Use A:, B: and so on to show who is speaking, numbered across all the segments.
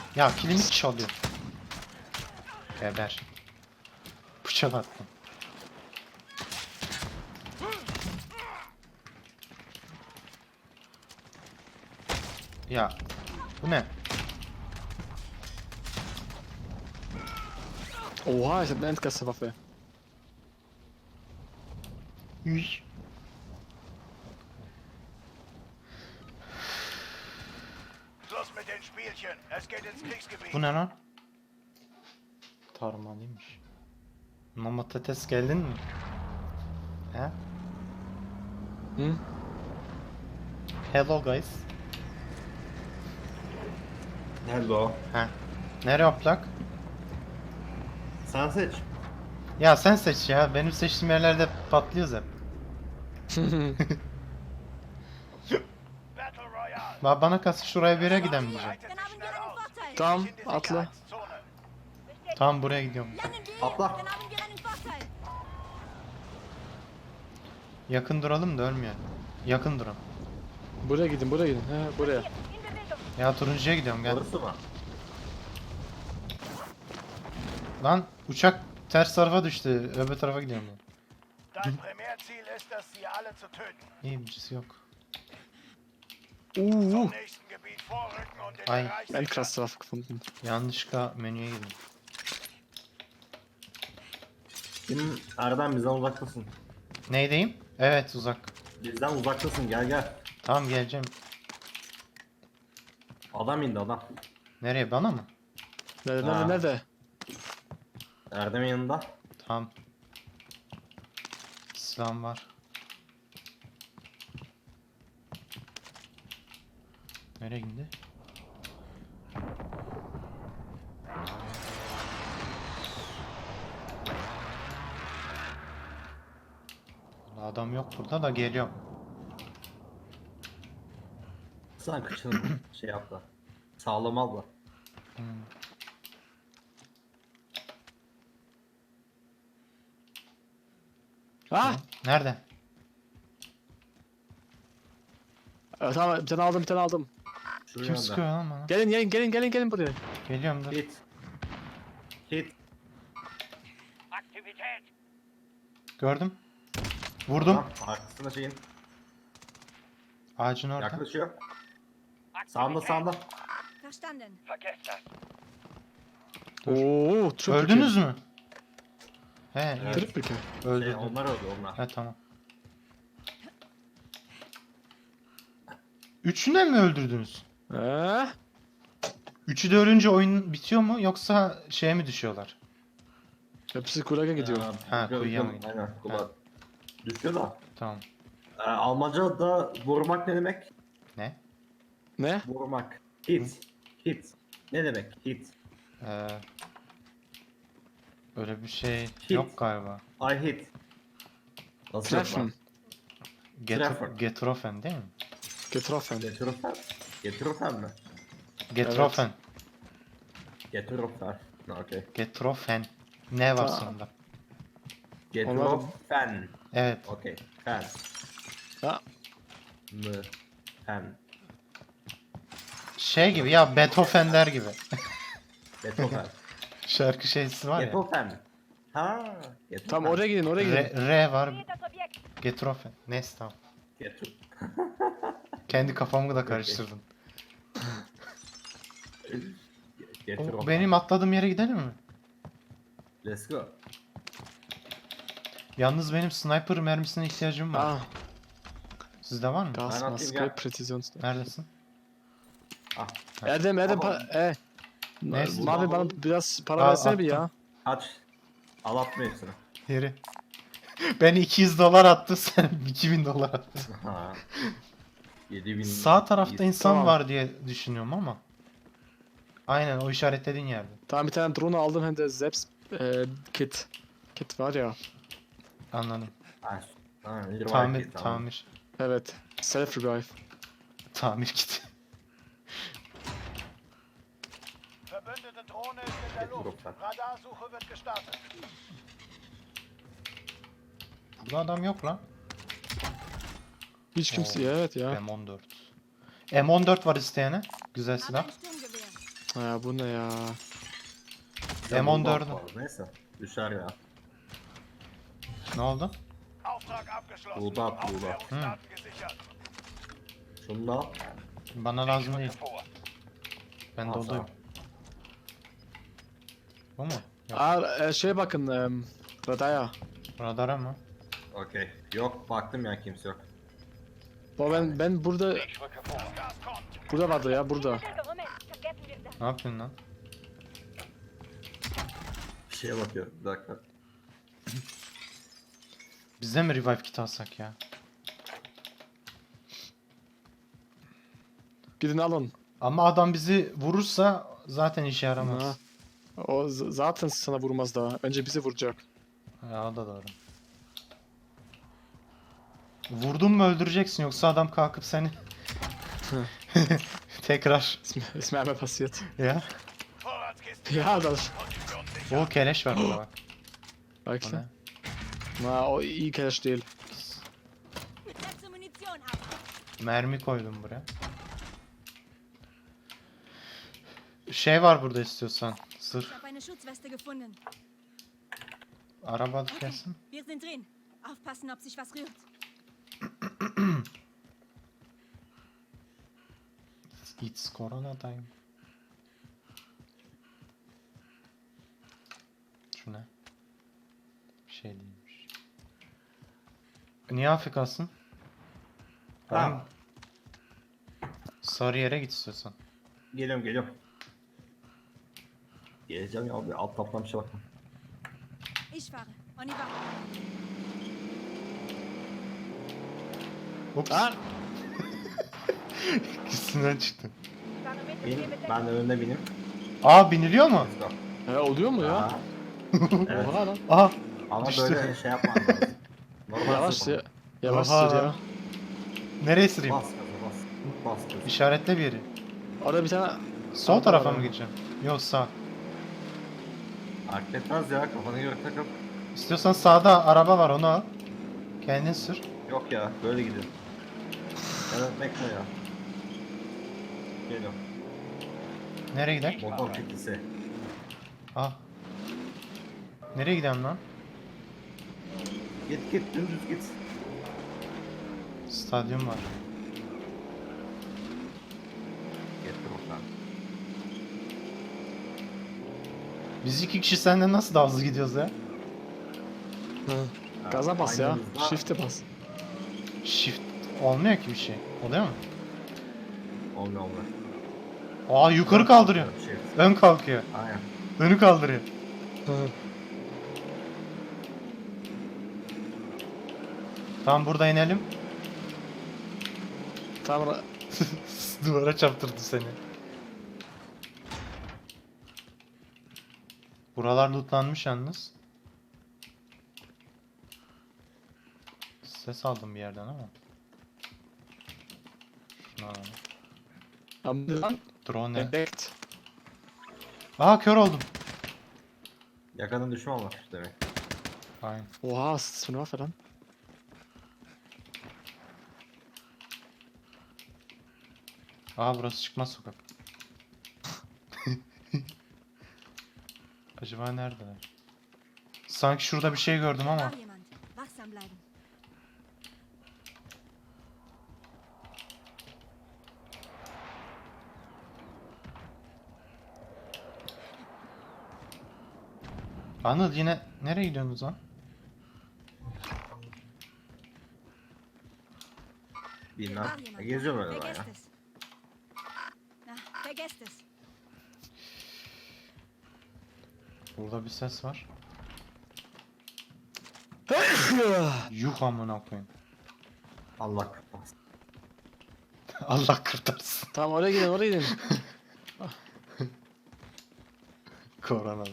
A: Ya kilimi çalıyor. Geber. Bıçak attım. Ya bu ne?
B: Oha, ich hab eine Endgasserwaffe.
A: Üy.
C: Schluss mit den Spielchen. Es geht ins Kriegsgebiet.
A: Bu ne lan? Tarmalıymış. Mamatates geldin mi? He?
B: Hm?
A: Hello guys.
D: Hello.
A: He. Nereye aplak?
D: Sen seç.
A: Ya sen seç ya. Benim seçtiğim yerlerde patlıyoruz hep.
C: Battle Royale.
A: Bana kalsın şuraya bir yere gidelim diyeceğim.
C: Breitet sich schnell aus.
B: Tamam,
C: In die
B: atla.
C: Sicherheitszone.
A: Tamam buraya gidiyorum.
D: Atla.
E: Dann haben wir einen Vorteil.
A: Yakın duralım da ölmeyelim. Yakın duralım.
B: Buraya gidin, buraya gidin. He, buraya.
E: In Bewegung.
A: Ya turuncuya gidiyorum gel.
D: Orası mı?
A: Lan uçak ters tarafa düştü. Öbür tarafa gidiyorum ben.
C: Dein Primärziel ist es, sie alle zu töten.
A: İyi birisi yok.
C: Zum nächsten Gebiet vorrücken und den
A: Ei.
C: Bereich sichern.
B: Endgasserwaffe gefunden.
A: Yanlışlıkla menüye girdim.
D: Benim Erdem bizden uzaktasın.
A: Neydeyim? Evet uzak.
D: Bizden uzaktasın, gel gel.
A: Tamam geleceğim.
D: Adam indi adam.
A: Nereye bana mı?
B: Nerede,
D: Ha.
B: nerede, nerede?
D: Erdem'in yanında.
A: Tamam. Silahım var. Nereye gitti? Vallahi adam yok burada da geliyorum.
D: Sen kıçını şey yap da. Sağlam al da.
B: Ah!
A: Nerede?
B: Tamam, bir tane aldım, bir tane aldım.
D: Şuraya
A: Kim
D: da.
A: sıkıyor lan bana?
B: Gelin, gelin, gelin, gelin, gelin buraya.
A: Geliyorum dur.
D: Hit. Hit.
C: Aktivität.
A: Gördüm. Vurdum.
D: Tamam, arkasında şeyin.
A: Ağacın orada.
D: Yaklaşıyor. Sağında sağında.
E: Verstanden.
C: Vergesst das.
B: Oo, triple
A: Öldünüz
B: kill.
A: mü? He,
D: Evet.
A: iyi.
B: Triple kill.
A: Öldürdüm.
D: Onlar öldü onlar.
A: He tamam. Üçünü mi öldürdünüz?
B: He?
A: Üçü de ölünce oyun bitiyor mu yoksa şeye mi düşüyorlar?
B: Hepsi Gulag'a gidiyor.
A: Ha,
D: düşüyor,
A: kuyuya mı
D: düşüyor.
A: gidiyor?
D: Aynen, kulak. Düşüyor da.
A: Tamam.
D: Almanca da vurmak ne demek?
A: Ne?
B: Ne?
D: Vurmak. Hit. Hit. Ne demek? Hit.
A: Ee, öyle bir şey
D: Hit.
A: yok galiba.
D: I hit. Nasıl
B: Treffen.
D: Treffer.
A: Getrofen değil mi?
B: Getroffen.
D: Getürfen. Getürfen mi?
A: Getrofen.
D: Getürfen. Okey.
A: Getrofen. Ne var
B: Aa.
A: sonunda?
D: Getürfen.
A: Evet.
D: Okey. Fen.
B: Ha.
D: Mı. Fen.
A: Şey gibi ya Beethoven'ler gibi.
D: Beethoven.
A: Şarkı şeysi var ya.
D: Beethoven. Ha. Beethoven.
B: Tamam, oraya gidin, oraya gidin.
A: R var.
E: Seht das Objekt.
A: Getrofen. Neyse tamam.
D: Getür.
A: Kendi kafamı da karıştırdım.
D: Getürfen.
A: Benim atladığım yere gidelim mi?
D: Let's go.
A: Yalnız benim sniper mermisine ihtiyacım var.
B: Ah,
A: Sizde var mı?
B: Gasmaske,
D: gel.
B: Präzisions...
A: Neredesin?
D: Ah.
B: Erdem,
D: Tamam.
A: Neyse.
B: Mavi bana biraz para
A: Al,
B: versene bir
A: attım.
B: ya.
D: Kaç. Al atma hepsini.
A: Yeri. Ben 200 dolar attı sen 2000 dolar attın.
D: Ha. 7000.
A: Sağ tarafta insan
B: Tamam.
A: var diye düşünüyorum ama. Aynen o işaretlediğin yerde.
B: Tamam, bir tane drone aldım, hem de Selbst Kit. Kit var ya.
A: Anladım.
D: Ha, revive
A: Tamir,
D: kit, tamam.
A: tamir.
B: Evet. Self revive.
A: Tamir kiti.
C: Verbündete Drohne ist in der Luft. Radarsuche wird gestartet.
A: Burada adam yok lan.
B: Hiç kimse, evet ya.
A: M14. M14 var isteyene. Güzel
E: Habe
A: silah.
E: ein Sturmgewehr.
B: Ya bu ne ya?
A: M14'ü.
D: Neyse. Düşer ya.
A: Ne oldu?
C: Auftrag abgeschlossen.
D: Buğda at, buğda.
C: Aufklärungsdaten gesichert.
D: Şunu da al.
A: Bana lazım değil.
C: Vor.
A: Ben
D: Al
A: doluyum. Bu mu? Yok.
B: Şeye bakın. Radaya.
A: Radara mı?
D: Okey. Yok baktım ya kimse yok.
B: Ben burada
C: Ich rücke vor. Das Gas kommt.
B: burada vardı ya burada.
E: Gerümmel. Vergessen wir das.
A: Ne yapıyorsun lan?
D: Bir şeye bakıyorum. Bir dakika.
A: Biz de mi revive kit alsak ya?
B: Gidin alın.
A: Ama adam bizi vurursa zaten işe yaramaz.
B: Ha. O zaten sana vurmaz daha. Önce bizi vuracak.
A: Ya o da doğru. Vurdun mu öldüreceksin yoksa adam kalkıp seni tekrar
B: Ist mir einmal passiert.
A: ya.
C: Vorratskiste.
B: Ja, das.
C: Position sicher.
A: O keleş var burada bak. O
B: Wirklich?
A: ne?
B: Na, o iyi keleş değil.
E: Setze Munition ab.
A: Mermi koydum buraya. Şey var burada istiyorsan.
E: Ich
A: Sırf
E: habe eine Schutzweste gefunden.
A: araba
E: Okay,
A: gelsin.
E: wir sind drin. Aufpassen, ob sich was rührt.
A: It's Corona time. Şu ne? Bir şey değilmiş. Niye Afrika'sın?
D: Tamam.
A: Sarı yere git istiyorsan.
D: Geliyorum. Geleceğim ya abi. Alt taptan bir şey bakma.
E: Ich fahre. On y va.
A: Ups.
B: Lan!
A: Üstünden çıktı.
D: Bin. Ben de önüne bineyim.
A: Aa biniliyor mu?
D: Let's go.
B: Oluyor mu ya?
D: Aa, evet.
B: Oha lan.
A: Aha.
D: Ama
A: Düştü.
D: böyle şey yapman lazım. Normal
B: Yavaş
D: sürme.
B: ya. Yavaş
A: Oha.
B: sür ya.
A: Nereye süreyim?
D: Bas gaza bas. Bas gaza.
A: İşaretle bir yeri.
B: Orada bir tane...
A: Sol
B: Araba
A: tarafa
B: var
A: mı
B: ya.
A: gideceğim? Yok sağ.
D: Fark etmez ya kafanı göre takıl.
A: İstiyorsan sağda araba var onu al. Kendin sür.
D: Yok ya böyle gidin. Evet bekle ya. Geliyorum.
A: Nereye gidelim?
D: Motor kitlisi.
A: Ah. Nereye gidelim lan?
D: Git dümdüz git.
A: Stadyum var.
D: Getir oradan.
A: Biz iki kişi senden nasıl daha hızlı gidiyoruz ya?
B: Hı. Gaza bas ya.
D: Aynı hızda-
B: Shift'e bas.
A: Shift olmuyor ki bir şey. Oluyor mu?
D: Olmuyor.
A: Aa yukarı kaldırıyor.
D: Bir şey.
A: Ön kalkıyor.
D: Aynen.
A: Önü kaldırıyor.
B: Hı.
A: Tamam burada inelim.
B: Tamam.
A: Duvara çarptırdı seni. Buralar lootlanmış yalnız. Ses aldım bir yerden ama. Şunu alalım.
B: Ama lan.
A: Drone ne?
B: Entdeckt.
A: Aa kör oldum.
D: Yakanın düşman var demek.
A: Aynen.
B: Oha, was ist das für eine Waffe dann?
A: Aa burası çıkmaz sokak. Acaba neredeler? Sanki şurada bir şey gördüm ama.
E: War jemand. Wachsam bleiben.
A: Anıl yine nereye gidiyorsunuz lan?
D: Bilmem.
E: War jemand.
D: Geziyorum öyle ben
E: Vergesst
D: ya.
E: es. Vergesst es.
A: Burada bir ses var. Yuh amına koyayım.
D: Allah kurtarsın.
A: Allah kurtarsın.
B: Tamam, oraya gidin.
A: Koronadan.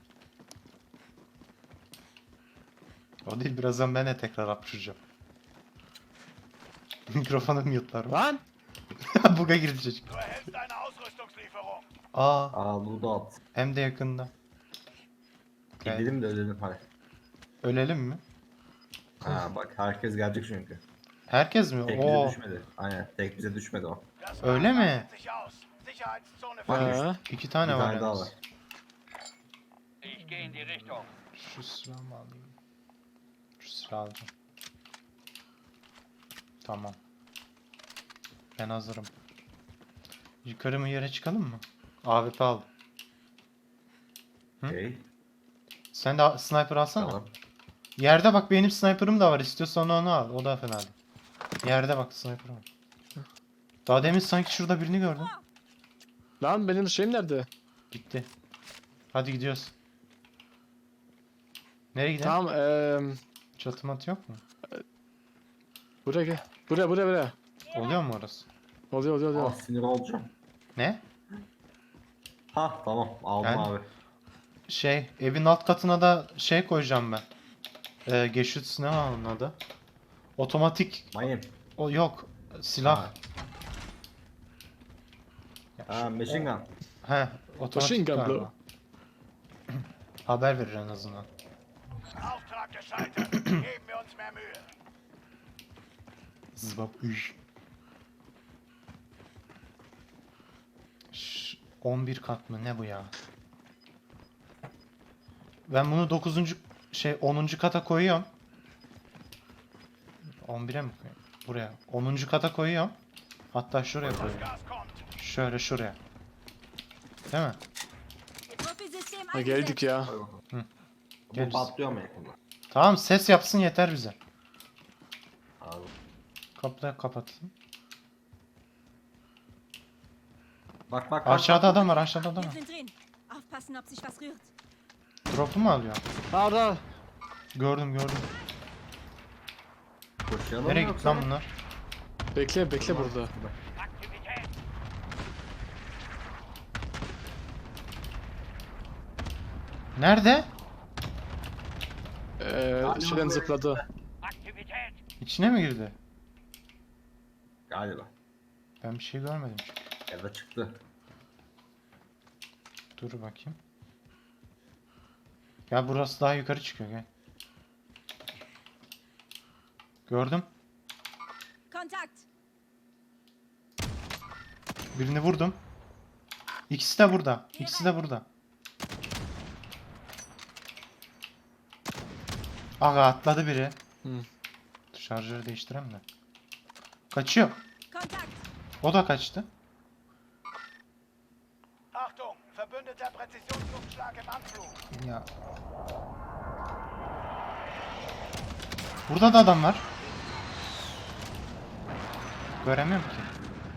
A: O değil birazdan ben de tekrar hapşıracağım. Mikrofonu mute'larım.
B: Lan!
A: Buga girdi çocuk.
C: Du erhältst eine Ausrüstungslieferung.
A: Aa
D: Aa bunu da at.
A: hem de yakında. Gel.
D: Gidelim de ölelim hadi.
A: Ölelim mi?
D: Ha bak herkes gelecek çünkü.
A: Herkes mi?
D: Tek bize
A: Oo.
D: düşmedi. Aynen tek bize düşmedi o.
C: Das
A: Öyle mi?
C: Fahrzeug sich aus. Sicherheitszone
D: Bak,
C: verlassen.
A: İki tane
D: Bir
A: var
D: tane daha
A: yalnız.
D: var.
C: Ich gehe in die Richtung.
A: Şu silahımı alayım. Şu silahı alacağım. Tamam. Ben hazırım. Yukarı mı yere çıkalım mı? AWP al. Hı?
D: Okey.
A: Sen de sniper alsana.
D: Tamam.
A: Yerde bak benim sniper'ım da var. İstiyorsan onu al. O da fena değil. Yerde bak sniper'ım var. Daha demin sanki şurada birini gördüm.
B: Lan benim şeyim nerede?
A: Gitti. Hadi gidiyoruz. Nereye gidelim?
B: Tamam
A: Çatı matı yok mu?
B: buraya gel. Buraya.
A: Oluyor mu orası?
B: Oluyor.
D: Sinir olacağım.
A: Ne?
D: Ha tamam aldım
A: Ben-
D: abi.
A: Şey, evin alt katına da şey koyacağım ben. Geçit ne var onun adı? Otomatik.
D: Mayın.
A: O yok. Silah.
D: Ha.
A: Ya
D: Ha machine gun.
A: He, otomatik
B: Machine gun,
A: galiba.
B: bro.
A: Haber verir en azından.
C: Auftrag gescheitert. Geben wir uns mehr Mühe.
A: Zıbap üş. 11 kat mı ne bu ya? Ben bunu 9. şey 10. kata koyuyorum. 11'e mi koyuyorum? Buraya. 10. kata koyuyorum. Hatta şuraya
C: Das
A: koyuyorum.
C: Gas kommt.
A: Şöyle şuraya. Değil mi?
E: Profi-System
B: Ha,
E: eingesetzt.
B: geldik ya.
D: Hadi bakalım.
A: Hı.
D: Bu
A: Geliriz.
D: patlıyor mu yakında?
A: Tamam ses yapsın yeter bize.
D: Abi.
A: Kapıyı kapatayım.
D: Bak.
A: Aşağıda adam var, aşağıda adam
E: Wir
A: var.
E: sind drin. Aufpassen, ob sich was rührt.
A: Drop'u mu alıyor?
B: Orada.
A: Gördüm.
D: Koşuyalım
A: Nereye
D: mı
A: gitti
D: yoksa?
A: lan bunlar?
B: Bekle burada.
C: Aktivität.
A: Nerede?
B: Şeyden zıpladı.
C: Aktivität.
A: İçine mi girdi?
D: Galiba.
A: Ben bir şey görmedim.
D: Ya da çıktı.
A: Dur bakayım. Ya burası daha yukarı çıkıyor gel. Gördüm.
E: Kontakt.
A: Birini vurdum. İkisi de burada. İkisi de burada. Aga atladı biri.
B: Hı.
A: Şarjörü değiştireyim de. Kaçıyor.
E: Kontakt.
A: O da kaçtı.
C: Achtung, verbündeter Präzisionsluftschlag im Anflug.
A: Ya. Burada da adam var. Göremiyorum ki.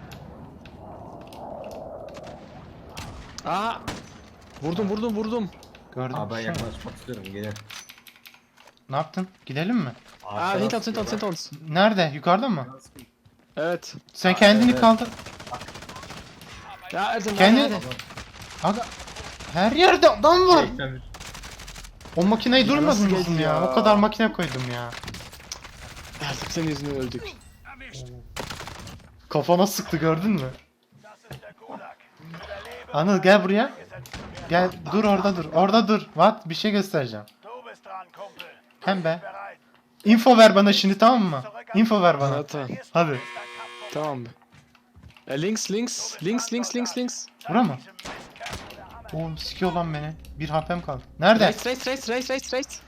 B: Aa! Vurdum.
A: Gördüm.
D: Abi ben
A: Şu mu?
D: yaklaşmak istiyorum. Gelin.
A: Ne yaptın? Gidelim mi?
B: Aa, hint ons.
A: Nerede? Yukarıda mı?
B: Evet.
A: Sen kendini
D: evet.
A: kaldır.
B: Ya Erdem
A: Kendi-
B: hadi.
A: Aga. Her yerde adam var.
D: Çekmemiş.
A: O makineyi
B: Ya nasıl
A: durmadınız mı
B: geldi
A: ya?
B: ya?
A: O kadar makine koydum ya.
B: Erdem senin yüzünden öldük.
C: Erwischt.
A: Kafana sıktı gördün mü?
C: Das ist der Gulag. Überlebe.
A: Anıl gel buraya.
C: Gesetzt zu werden.
A: Gel dur orada dur. Orada dur. What? Bir şey göstereceğim.
C: Du bist dran, Kumpel.
A: Hem be.
C: Bereit.
A: Info ver bana şimdi tamam mı? Info ver bana.
B: Evet, tamam.
A: Hadi.
C: Ist dein Kampf vorbei.
B: Tamam. Links.
A: Bura mı?
C: Diesem Mistkerl der Anerkennung.
A: Oğlum sikiyor lan beni. Bir HP'm kaldı. Nerede?
B: Rechts.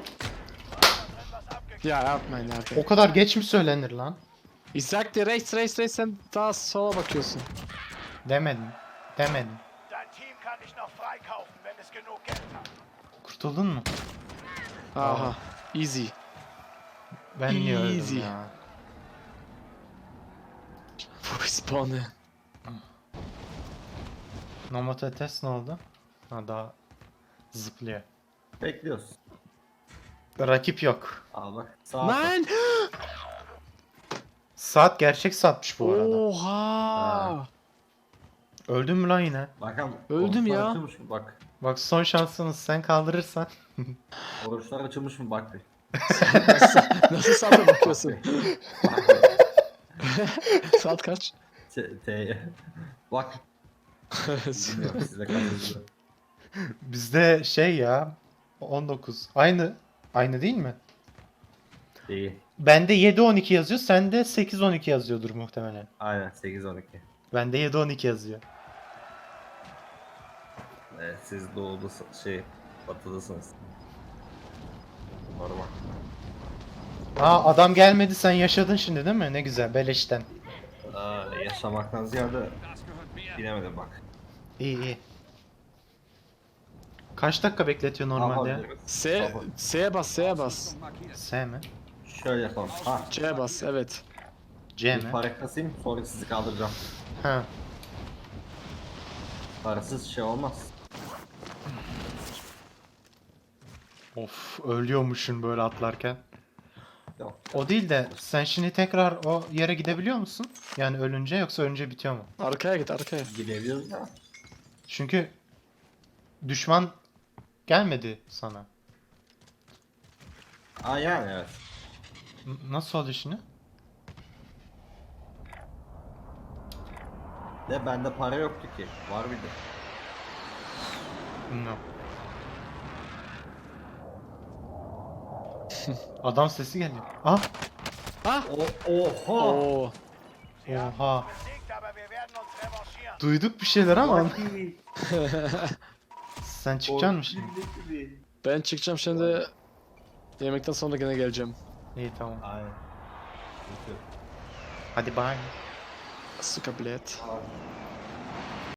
B: Ya yapmayın Erdem.
A: O kadar geç mi söylenir lan?
B: Ich sagte rechts, sen daha sola bakıyorsun.
A: Demedim.
C: Dein Team kann dich noch freikaufen, wenn es genug Geld hat.
A: Kurtuldun mu?
B: Aha. Easy.
A: Ben niye öldüm
B: Easy.
A: ya?
B: Respawn'ı.
A: Nomad test ne oldu? Ha daha zıplıyor.
D: Bekliyoruz.
A: Rakip yok.
D: Al bak. Sağ
B: Nein!
A: Saat gerçek saatmiş bu arada.
B: Oha!
A: Öldün mü lan yine?
D: Bakalım.
B: Öldüm
D: oruçlar
B: ya.
D: Açılmış mı? Bak.
A: Bak son şansınız sen kaldırırsan.
D: Oruçlar açılmış mı? Bak bir.
B: Nasıl saate bakıyorsun?
D: Bak bir.
B: Saat kaç?
D: T'ye. Bak. Bilmiyorum size kaçırdı.
A: Bizde şey ya 19. Aynı değil mi?
D: Değil.
A: Bende 7-12 yazıyor, sende 8-12 yazıyordur muhtemelen.
D: Aynen 8-12.
A: Bende 7-12 yazıyor.
D: Siz doğuda batılısınız. Normal.
A: Aa adam gelmedi sen yaşadın şimdi değil mi? Ne güzel beleşten.
D: Yaşamaktan ziyade bilemedim bak.
A: İyi iyi. Kaç dakika bekletiyor normalde ya?
B: S'ye bas, S'ye bas.
A: S mi?
D: Şöyle yapalım. Ha,
B: C'ye bas, evet.
A: C
D: bir
A: mi?
D: para kasayım sonra sizi kaldıracağım.
A: Ha.
D: Parasız şey olmaz.
A: Of ölüyormuşsun böyle atlarken.
D: Yok.
A: O değil de sen şimdi tekrar o yere gidebiliyor musun? Yani ölünce yoksa ölünce bitiyor mu?
B: Arkaya git, arkaya.
D: Gidebiliyoruz da.
A: Çünkü düşman gelmedi sana.
D: Yani evet.
A: Nasıl oldu şimdi?
D: De bende para yoktu ki. Var bir de.
A: Bilmiyorum. Adam sesi geliyor. Ah!
D: Oha!
B: Oo.
A: Oha!
C: Besiegt, aber wir werden uns revanchieren.
A: Duyduk bir şeyler ama sen çıkacaksın mı şimdi?
B: Ben çıkacağım şimdi. Yemekten sonra gene geleceğim.
A: İyi tamam.
D: Aynen.
A: Hadi bye.
B: Suka bilet.
D: Tamam.